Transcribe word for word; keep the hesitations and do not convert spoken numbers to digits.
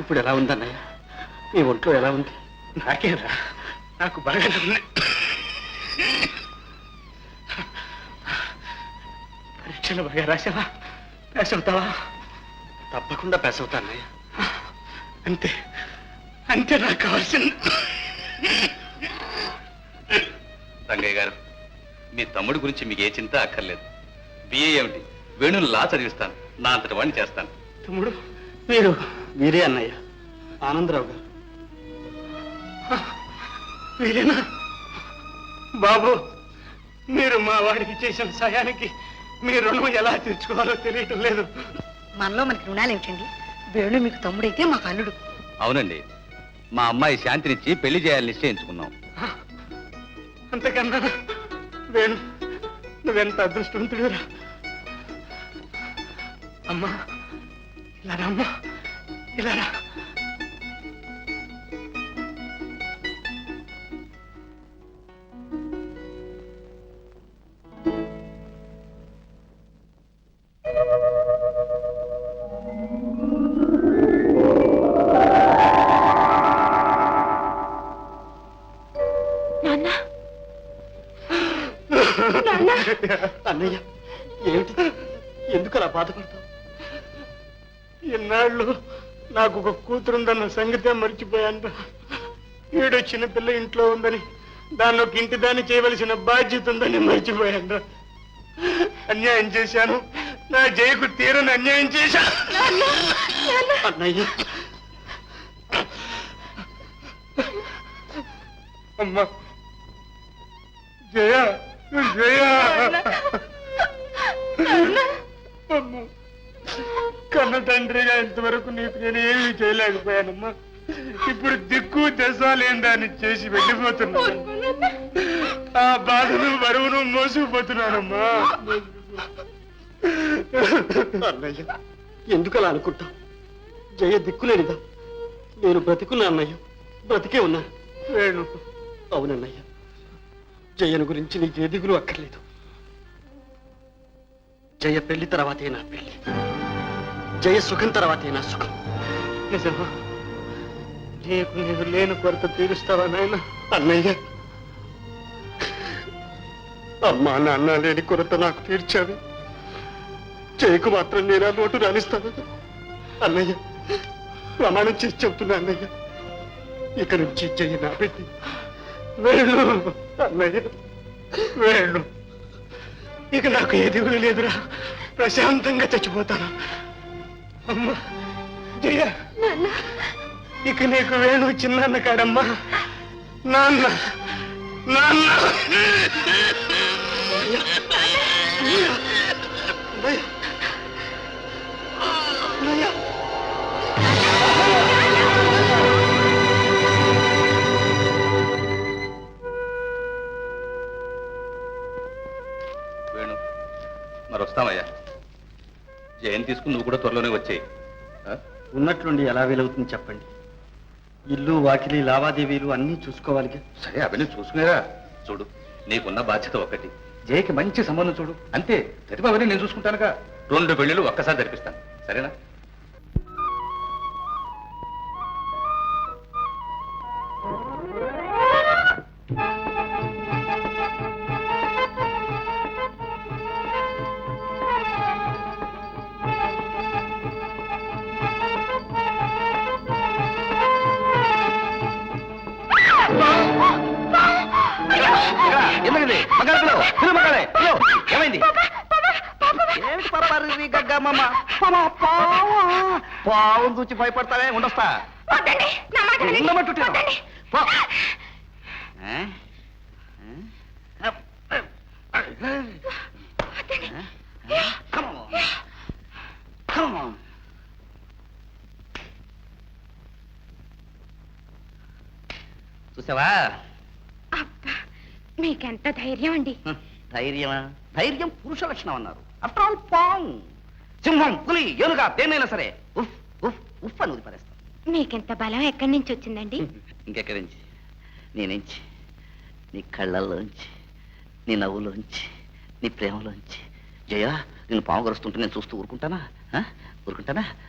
ఇప్పుడు ఎలా ఉందన్నయ్య? నీ ఒంట్లో ఎలా ఉంది? నాకేరా, నాకు బాగా ఉంది. పరీక్షలు బాగా రాసావా? పాస్ అవుతావా? తప్పకుండా పాస్ అవుతా అన్నయ్య. అంతే అంతే నాకు కావాల్సింది. రంగయ్య గారు, మీ తమ్ముడి గురించి మీకు ఏ చింత అక్కర్లేదు. బిఏ ఏమిటి, వేణుని లా చదివిస్తాను, నా అంతటి వాడిని చేస్తాను. తమ్ముడు మీరు? మీరే అన్నయ్య, ఆనందరావు గారు. మీరేనా? బాబు, మీరు మా వాడికి చేసిన సాయానికి మీ రుణం ఎలా తీర్చుకోవాలో తెలియటం లేదు. మనలో మనకి రుణాలు ఏమిటండి? వేణు మీకు తమ్ముడైతే మాకు అల్లుడు. అవునండి, మా అమ్మాయి శాంతినిచ్చి పెళ్లి చేయాలని నిశ్చయించుకున్నాం. అంతకన్నా వేణు, నువ్వెంత అదృష్టవంతుడురా. అమ్మా ఇలా రా, అమ్మా ఇలా రా. అన్నయ్య, ఏమిటి? ఎందుకు అలా బాధపడతావు? ఇన్నాళ్ళు నాకు ఒక కూతురుందన్న సంగతే మర్చిపోయాను. ఈడో చిన్న పిల్ల ఇంట్లో ఉందని, దాన్ని ఒక ఇంటి దాన్ని చేయవలసిన బాధ్యత ఉందని మర్చిపోయాను. అన్యాయం చేశాను, నా జయకు తీరని అన్యాయం చేశాను. అన్నయ్య, అమ్మా జయ, జయ అమ్మా, కన్న తండ్రిగా ఇంతవరకు నీకు నేను ఏమీ చేయలేకపోయానమ్మా. ఇప్పుడు దిక్కు దశ లేని దాన్ని చేసి వెళ్ళిపోతున్నాను. ఆ బాధను బరువును మోసుకుపోతున్నానమ్మా. అన్నయ్య, ఎందుకు అలా అనుకుంటావు? జయ దిక్కులేనిదా? నేను బ్రతికున్నా అన్నయ్య, బ్రతికే ఉన్నా. వేణు, అవునన్నయ్య, జయను గురించి నీకు ఏ దిగులు అక్కర్లేదు. జయ పెళ్లి తర్వాతే నా పెళ్లి, జయ సుఖం తర్వాతే నా సుఖం. నిజమా? నీకు నీకు లేని కొరత తీరుస్తావా నాయన? అన్నయ్య, అమ్మా నాన్న లేని కొరత నాకు తీర్చావి, జయకు మాత్రం నేను ఆ లోటు రాణిస్తాను. అన్నయ్య, ప్రమాణం చేసి చెబుతున్నా అన్నయ్య, ఇక నుంచి జయ నా పెళ్లి. వేణు, అన్నయ్య వేణు, ఇక నాకు ఏ దిగులు లేదురా. ప్రశాంతంగా చచ్చిపోతాను. అమ్మా జయ, ఇక నీకు వేణు చిన్నాన్న కాడమ్మా. నాన్న, నాన్న. వేణు, మరి వస్తామయ్యా. జయం తీసుకుని నువ్వు కూడా త్వరలోనే వచ్చేయి. ఉన్నట్లుండి ఎలా వీలవుతుంది చెప్పండి? ఇల్లు వాకిలి లావాదేవీలు అన్నీ చూసుకోవాలిగా. సరే, అవన్నీ చూసుకునేరా. చూడు, నీకున్న బాధ్యత ఒకటి, జయకి మంచి సంబంధం చూడు, అంతే. ప్రతిభ అవన్నీ నేను చూసుకుంటానుగా. రెండు పెళ్లిళ్ళు ఒక్కసారి జరిపిస్తాను, సరేనా? ఎందుకండి మగాడు మగాడే ఏమైంది? ఏమిటి పర్వాలేదు గగ్గమ్మ? పావును చూచి భయపడతానే. ఉండొస్తా, ఉండమట్టు. చూసావా? మీకెంత ధైర్యం అండి? ధైర్యమా? ధైర్యం పురుష లక్షణం అన్నారు. ఆఫ్టర్ ఆల్ పాము, సింహం, పులి, ఏనుగా దేన్నైనా సరే ఉఫ్ ఉఫ్ ఉఫ్ అని వదిలిపరేస్తాం. మీకెంత బలం ఎక్కడి నుంచి వచ్చిందండి? ఇంకెక్కడి నుంచి? నీ నుంచి, నీ కళ్ళల్లోంచి, నీ నవ్వులోంచి, నీ ప్రేమలోంచి. జయ, నేను పాము గరుస్తుంటే నేను చూస్తూ ఊరుకుంటానా? ఊరుకుంటానా?